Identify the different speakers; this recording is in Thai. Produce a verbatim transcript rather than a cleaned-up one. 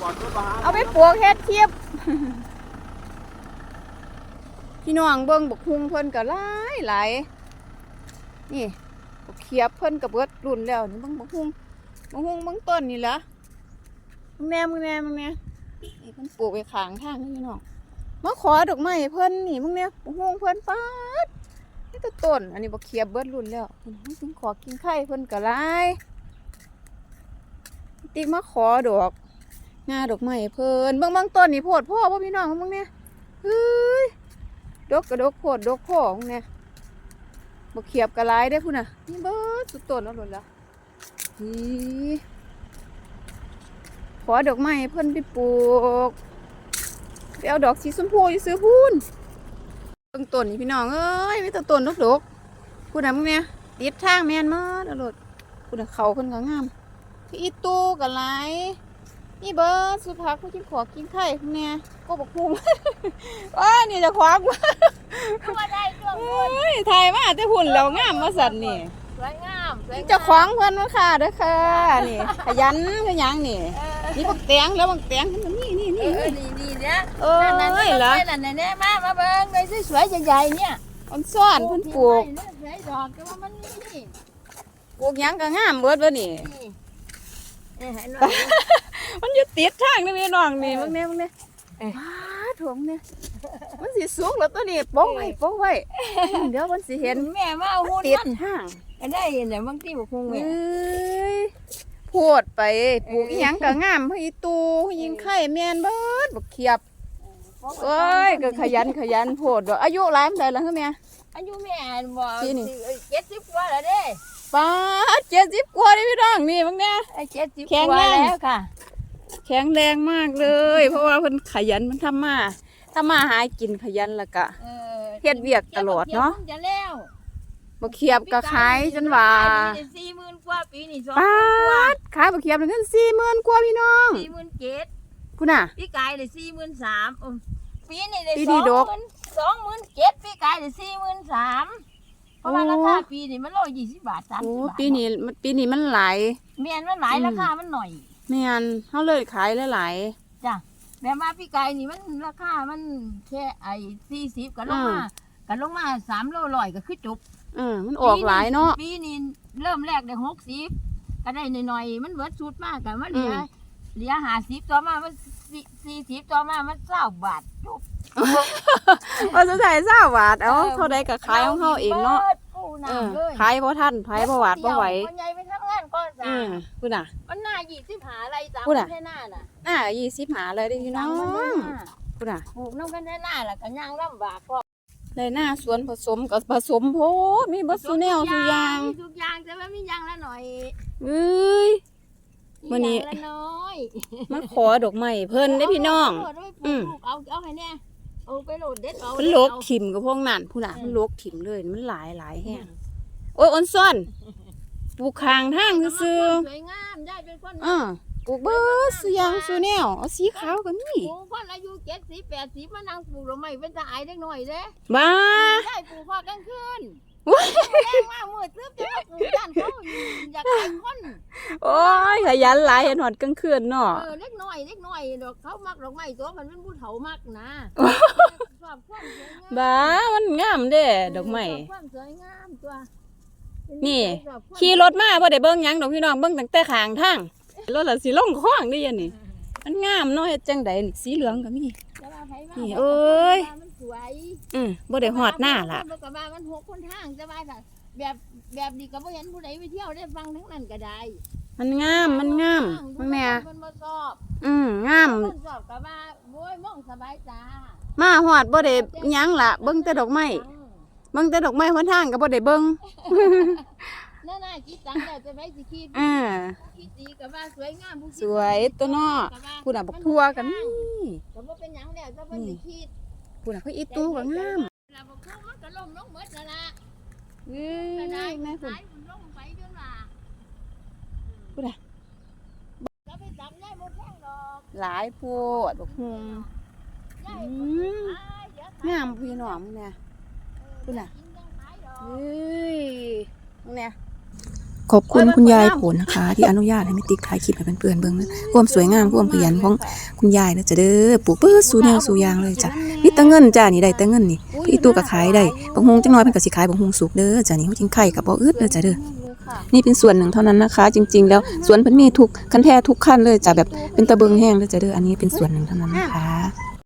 Speaker 1: เอาไปปลูกเฮ็ดเทียบพี่น้องเบิ่งบักฮุงเพิ่นก็หลายหลายนี่บักเขียบเพิ่นก็เบิดรุ่นแล้วนี่เบิ่งบักฮุงบักฮุงเบิ่งต้นนี่ล่ะมึงแน่มึงแน่มึงแน่นี่เพิ่นปลูกไว้ข้างทางนี่พี่น้องมาขอดอกไม้เพิ่นนี่มึงแน่บักฮุงเพิ่นปาดนี่ก็ต้นอันนี้บักเขียบเบิดรุ่นแล้วมึงขอกินไข่เพิ่นก็หลายติ๊กมาขอดอกงาดอกไม้เพิ่นเบิ่งบางต้นนี่โพดพ่อบ่พี่น้องมึงแน่เฮ้ยดกกระดกโพดดกพ่อมึงแน่บ่เขียบกระไรได้พุ่นน่ะนี่เบิดสุดต้นแล้วหล่นละนี่ขอดอกไม้เพิ่นไปปลูกไปเอาดอกสีชมพูอยู่ซื้อพุ่นเบิ่งต้นนี่พี่น้องเอ้ยมีแต่ต้นดกๆพุ่นน่ะมึงแน่ติดทางแม่นมาแล้วโลดพุ่นน่ะเขาเพิ่นก็งามพี่อีตู้กระไรนี่เบิร์ดสุดท้ายผู้ที่ขอกินไข่เนี่ยก็บอกพุงว้านี่จะควักมา
Speaker 2: มาได้เครื่อง
Speaker 1: เฮ้ยไทยมาแต่หุ่นเรางามมาสัตว์นี่
Speaker 2: สวยงาม
Speaker 1: จะคว้างเพื่อนมาค่ะเด้อค่ะนี่ขยันขยันนี่นี่บักแตงแล้วบักแตงนี่นี่นี่
Speaker 2: นี่นี่เนี่ย
Speaker 1: เออเหรอ
Speaker 2: นั่นนั่นเนี่ยมามาเบิ้งเลยสวยๆใหญ่ๆเนี่ย
Speaker 1: มันซ่อนเพิ่นปลูก
Speaker 2: สวยดอกก็ว่ามันนี่
Speaker 1: ปลูกยังก็งามเบิดวะนี่มันอยู่ติดทางนี่พี่น้องนี่มึงเนี่ยมึงเนี่ยว้าถ่วงเนี่ยมันสีสูงแล้วตัวนี้โป๊ะไว้โป๊ะไว้เดี๋ยวมันสีเห็น
Speaker 2: แม่มาเอาหุ่น
Speaker 1: ติดทาง
Speaker 2: ได้เห็นแต่บางทีบอกคง
Speaker 1: เอ้ยพูดไปปลูกอีหยังก็งามพี่ตูยิงไข่แมนเบิดบักเขียบเอ้ยก็ขยันขยันพูดอายุหลายมันได้แล้วเหรอแม่
Speaker 2: อายุแม่บอกเจ็ดสิบกว่าแล้วเด้
Speaker 1: ป้าเจ็ดสิบกว่าเลยพี่น้องนี่มึงเนี่ย
Speaker 2: เจ็ดสิบกว่าแล้วค่ะ
Speaker 1: แข็งแรงมากเลยเพราะว่าเพิ่นขยันมันทำมาทำมาหากินขยันแล้วก็เฮ็ดเวียกตลอดเนาะบักเขียบก็ขายจนว่า
Speaker 2: สี่หมื่นกว่าปีนี่สอง
Speaker 1: ป้าขายบักเขียบถึงสี่หมื่นกว่าพี่น้อง
Speaker 2: สี่หมื่นเจ็ด
Speaker 1: คุณน่ะ
Speaker 2: พี่กายเลยสี่หมื่นสามปีนี่เลยสองหมื่นสองหมื่นเจ็ดพี่กายเลยสี่หมื่นสามเพราะว่าราคาปีนี่มันร้อยยี่สิบบาทสามสิบบาท
Speaker 1: ปีนี้ปีนี้มันหลาย
Speaker 2: เมียนมันหลายราคามันหน่อย
Speaker 1: เมียนเขาเลยขายหลาย
Speaker 2: จ้ะแบบว่าพี่ไก่นี่มันราคามันแค่ไอ้สี่สิบกันลงมากันลงมาสามโลลอยก็คือจบ
Speaker 1: อืมมันออกหลายเนาะ
Speaker 2: ปีนี้เริ่มแรกได้หกสิบก็ได้หน่อยๆมันเบิดชุดมากกันมันเหลือเหลือห้าสิบต่อมามันสี่สิบต่อมามันเก้าบาทจบ
Speaker 1: ว่าสุดท้ายเก้าบาทเอาเท่าใดก็ขายของเขาเองเนาะขายเพราะท่านขายเพราะวาดเพราะไหว
Speaker 2: คนใหญ่ไปทำงานก่อนจ้ะ
Speaker 1: คุณน่ะ
Speaker 2: มันหน้ายี่สิบหาอะไรจ้ะแค่หน้าน่ะ
Speaker 1: หน้ายี่สิบหาเลยดิพี่น้องคุณน่ะ
Speaker 2: ปลูกน้องกันแค่หน้าแหละกันย่างลำบากก็
Speaker 1: เลยหน้าสวนผสมกับผสมโพดมีบัสซูแนลสุยาง
Speaker 2: ทุกอย่างแต่ว่ามียางละหน่อย
Speaker 1: เอ้ยวันนี้มาขอดอกไม้เพิ่นได้พี่น้อง
Speaker 2: อืมเอาเอาให้แน่เอาไปโหลดเด็ดเอา
Speaker 1: มันโลกถิ่มกับพวกนั้นผู้น่ะมันโลกถิ่มเลยมันหลายหลายแห้งโอ้ยอ่อนซ่อนปลูกคางทางซื่อ
Speaker 2: สวยงามได้เป็นคน
Speaker 1: อ่าปลูกเบิร์ดสุยางสุแนวเอาสีขาวกันนี่
Speaker 2: ปลูกคนอายุเจ็ดสิบแปดสิบมานั่งปลูกดอกไม้เป็นตาไอเล็กน้อยเด้
Speaker 1: บ้า
Speaker 2: ได้ปลูกพอกลางคืนแรงมากมืดซึบจะมาปลูกด้านเขาอยากให้คน
Speaker 1: โอ้ยขยันหลายเห็นหอดกลางคืนเนาะ
Speaker 2: เออเล็กน้อยเล็กน้อยดอกเขามักดอกไม้ตัวมันเป็นผู้เฒ่ามากนะชอบความสวยงาม
Speaker 1: บ้ามันงามเด้ดอกไม้
Speaker 2: ความสวยงามตัว
Speaker 1: นี่ขี่รถมาพอได้เบิ้งยังดอกพี่น้องเบิ้งตั้งแต่ข้างทางรถละสีล่องคล้องได้ยันนี่มันงามเนาะเฮ็ดจังไดนี่สีเหลืองก็มีนี่เอ้ยอืมบ่ได้ฮอดหน้าล่ะ
Speaker 2: บ่ก็ว่ามันหกคนทางแต่ว่าแบบแบบนี้ก็บ่เห็นผู้ใดไปเที่ยวได้ฟังทั้งนั้นก็ได้
Speaker 1: มันงามมันงามแม่
Speaker 2: มันบ่ชอบ
Speaker 1: อืมงาม
Speaker 2: มันชอบก็ว่าโว้ยมองสบายตา
Speaker 1: มาฮอดบ่ได้หยังล่ะเบิ่งแต่ดอกไม้เบิ่งแต่ดอกไม้หนทางก็บ่ได้เบิ่ง
Speaker 2: นั่นน่ะคิดตังแล้วจะไปสิคิด
Speaker 1: อ่า
Speaker 2: คิดดีก็ว่าสวยงามผู้
Speaker 1: สวยตัวเนาะผู้น่ะบักทั่วกันนี่
Speaker 2: ก็บ่เป็นหยังแล้วจะเพิ่นสิคิด
Speaker 1: ผู้น่ะเขาอีตู้ก็งาม
Speaker 2: แล้วบักทั่วมันก็ล้มลงหมดแล้วล่ะ
Speaker 1: เอ้ยแม่คุณ
Speaker 2: ล้มไปจนว่า
Speaker 1: ผู้น่ะ
Speaker 2: ก็ไปจับได้หมดแท่งดอก
Speaker 1: หลายโพดบักฮุงงามพี่น้องเนี่ยผู้น่ะเฮ้ยเนี่ยขอบคุณคุณยายผลนะคะ ที่อนุญาตให้แม่ติ๊กถ่ายคลิปให้เพื่อนๆเบิ่งนะความสวยงามความขยันของคุณยายนะจ้ะเด้อปลูกเปื้อสู่แนวสู่อย่างเลยจ้ะมีแต่เงินจ้านี่ได้แต่เงินนี่พี่ตู้ก็ขายได้บางฮงจังน้อยเพิ่นก็สิขายบางฮงสุกเด้อจ้ะนี่จริงไข่ก็บ่อึดเด้อจ้ะเด้อนี่เป็นส่วนหนึ่งเท่านั้นนะคะ จริงๆแล้วสวนเพิ่นมีทุกคันแท้ทุกขั้นเลยจ้ะแบบเป็นตะเบิงแห้งเลยจ้ะเด้ออันนี้เป็นส่วนหนึ่งเท่านั้นนะคะ